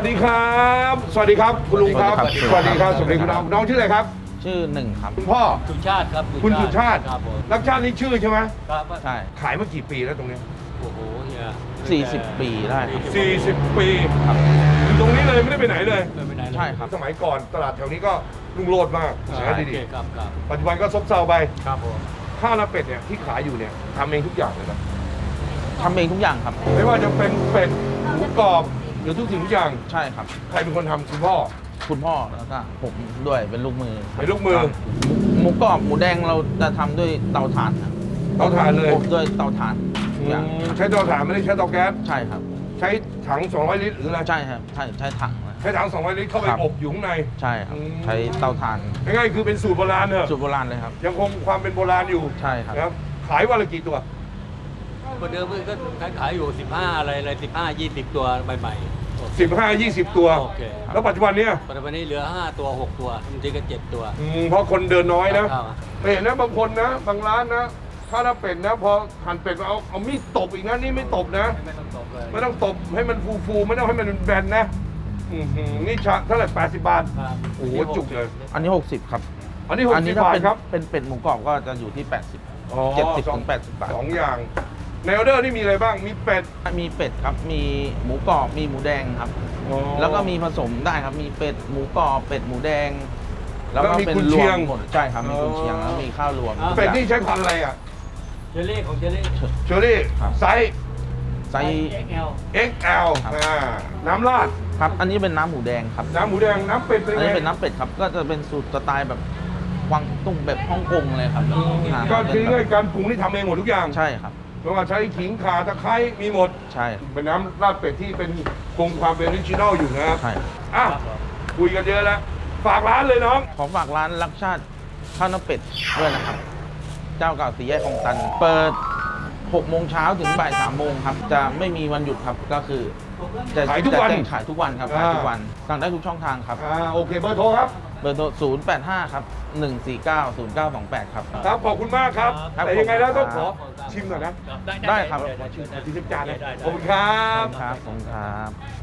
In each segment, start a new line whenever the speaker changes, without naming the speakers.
ดีครับสวัสดีครับคุณลุงครับสวัสดีครับสวัสดีคุณน้องชื่ออะไรครับ
ชื่อหนึ่งครับ
คุณพ่อ
สุชาติครับ
คุณสุชาติ
ครับผม
รักชาตินี่ชื่อใช่ไหม
ครับ
ใช่
ขายมากี่ปีแล้วตรงนี้
โอ้โหเฮีย
40 ปีได้ครับ
40 ปีอยู่ตรงนี้เลยไม่ได้ไปไหนเลย
ไม่ได้เลย
ใช่ครับ
สมัยก่อนตลาดแถวนี้ก็รุ่งโรจน์มาก
ใช่
ขายดี
ครับครับ
ๆปัจจุบันก็ซบเซาไป
ครับผม
ข้าวหน้าเป็ดเนี่ยที่ขายอยู่เนี่ยทำเองทุกอย่างเลยนะ
ทำเองทุกอย่างครับ
ไม่ว่าจะเป็นเป็ดหมูกรอบหรือทุกสิ่งทุกอย่าง
ใช่ครับ
ใครเป็นคนทำคุณพ่อ
คุณพ่อแล้วก็ผมด้วยเป็นลูกมือ
เป็นลูกมือ
ครับหมูกรอบหมูแดงเราจะทำด้วยเตาถ่านครับ
เตาถ่านเลย
อบด้วยเตาถ่านทุกอย่าง
ใช้เตาถ่านไม่ได้ใช้เตาแก๊ส
ใช่ครับ
ใช้ถัง200 ลิตรหรืออะไร
ใช่ครับใช่ถังนะ
ใช้ถัง200 ลิตรเข้าไป
ครับ
อบอยู่ข้างใน
ใช่ครับ
อืม
ใช้เตาถ่าน
ง่ายๆคือเป็นสูตรโบราณเนอะ
สูตรโบราณเลยครับ
ยังคงความเป็นโบราณอยู่
ใช่ครับ
นะครับขายวันละกี่ตัว
คนเดิมก็ขายอยู่15อะไร15 20 ตัวใหม่ๆโอเค
15-20 ตัว
โอเค
แล้วปัจจุบันเนี้ย
ปัจจุบันนี้เหลือ5ตัว6ตัวบางทีก็7ตัว
เพราะคนเดินน้อยนะ
ครับ
ไปเห็นนะบางคนนะบางร้านนะถ้าเป็ดนะพอหั่นเป็ดมาเอามีดตบอีกนะนี่ไม่ตบนะ
ไม่ต้องตกเลย
ไม่ต้องตบให้มันฟูๆไม่ต้องให้มันแบนนะนี่ชาเท่าไหร่80 บาท
ครับ
โอ้โหจุกเลย
อันนี้ 60 ครับ
อันนี้
อันนี้
60
ถ้า
บาท
เป็น
ครับ
เป็นเป็ดหมูกรอบก็จะอยู่ที่ 80
อ๋อ
70ถึง80 บาท
สองอย่างในออเดอร์นี่มีอะไรบ้างมีเป็ด
มีเป็ดครับมีหมูกรอบมีหมูแดงครับ แล้วก็มีผสมได้ครับ มีเป็ดหมูกรอบเป็ดหมูแดง แล้วก็เป็นรวมหมดใช่ครับ มีกุนเชียงแล้วมีข้าวรวม
เป็ดนี่ใช้พันธุ์อะไรอ่ะ
เจลลี่ของเจลลี่
เชอรี่
ครับ
ไซส์
ไซส์
XL
XL
ครับ
น้ำราด
ครับ อันนี้เป็นน้ำหมูแดงครับ
น้ำหมูแดงน้ำเป็ดเป็น
อัน
ไง
นี้เป็นน้ำเป็ดครับ ก็จะเป็นสูตรสไตล์แบบกวางตุ้งแบบฮ่องกงเลยครับ
ก็คือง่ายๆการปรุงที่ทำเองหมดทุกอย่าง
ใช่ครับ
ไม่ว่าใช้ขิงข่าตะไคร้มีหมด
ใช่
เป็นน้ำราดเป็ดที่เป็นคงความเป็นออริจินอลอยู่นะครับ
ใช่
อ่ะคุยกันเยอะแล้วฝากร้านเลยน้อง
ขอฝากร้านรักชาติข้าวหน้าเป็ดด้วยนะครับ เจ้าเก่าสีแยกคลองตัน เปิด6 โมงเช้าถึงบ่าย3 โมงครับ จะไม่มีวันหยุดครับ ก็คือจะ
ขายทุกวัน
จะแจ้งขายทุกวันครับ ขายทุกวัน สั่งได้ทุกช่องทางครับ
โอเคเบอร์โทรครับ
เบอร์โทร085 ครับ 149 0928 ครับ
ครับขอบคุณมากครับ
ครับ
แต่ยังไงแล้วต้องขอ
ครับ
ชิมหน่อยนะ
ได้ครับ
ชิมจานเลย
ได้
ขอบคุณครับ
ครับผมครับ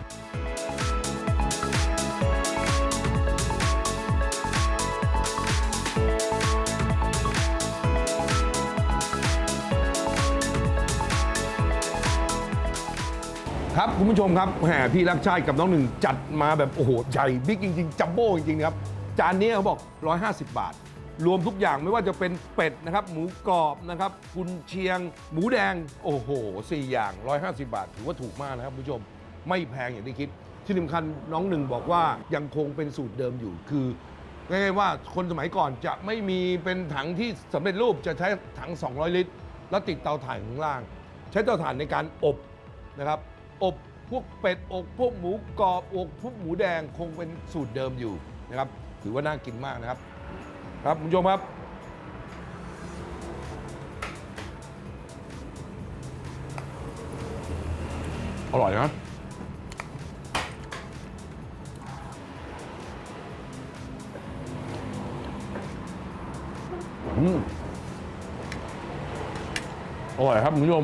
ครับคุณผู้ชมครับแหมพี่รักชาติกับน้องหนึ่งจัดมาแบบโอ้โหใหญ่บิ๊กจริงๆจัมโบ้จริงๆครับจานนี้เขาบอก 150 บาท รวมทุกอย่างไม่ว่าจะเป็นเป็ดนะครับหมูกรอบนะครับกุนเชียง หมูแดงโอ้โห4 อย่าง 150 บาทถือว่าถูกมากนะครับคุณผู้ชมไม่แพงอย่างที่คิด ที่สำคัญน้องหนึ่งบอกว่ายังคงเป็นสูตรเดิมอยู่คือง่ายๆว่าคนสมัยก่อนจะไม่มีเป็นถังที่สำเร็จรูปจะใช้ถัง 200 ลิตร แล้วติดเตาถ่านข้างล่าง ใช้เตาถ่านในการอบนะครับอบพวกเป็ดอกพวกหมูกรอบอกพวกหมูแดงคงเป็นสูตรเดิมอยู่นะครับถือว่าน่ากินมากนะครับครับคุณผู้ชมครับอร่อยนะอร่อยครับคุณผู้ชม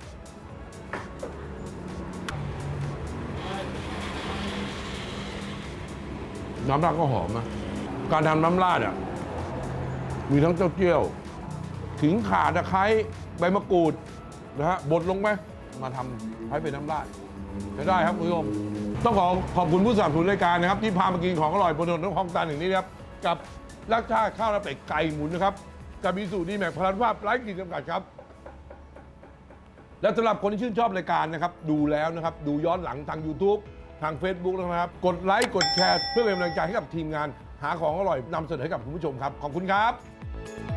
น้ำราดก็หอมนะ การทำน้ำราดอ่ะมีทั้งเต้าเจี้ยวขิงข่าตะไคร้ใบมะกรูดนะฮะบดลงไปมาทำให้เป็นน้ำราดจะได้ครับคุณผู้ชมต้องขอบคุณผู้สนับสนุนรายการนะครับที่พามากินของอร่อยบนถนนคลองตันอย่างนี้นะครับกับรักชาติข้าวหน้าเป็ดไก่หมุนนะครับกับมีสูตรดีแม็กพลันภาพไร้ขีดจำกัดครับ และสำหรับคนที่ชื่นชอบรายการนะครับดูแล้วนะครับดูย้อนหลังทาง YouTube ทาง Facebook นะครับกดไลค์กดแชร์เพื่อเป็นกำลังใจให้กับทีมงานหาของอร่อยนำเสนอให้กับคุณผู้ชมครับขอบคุณครับ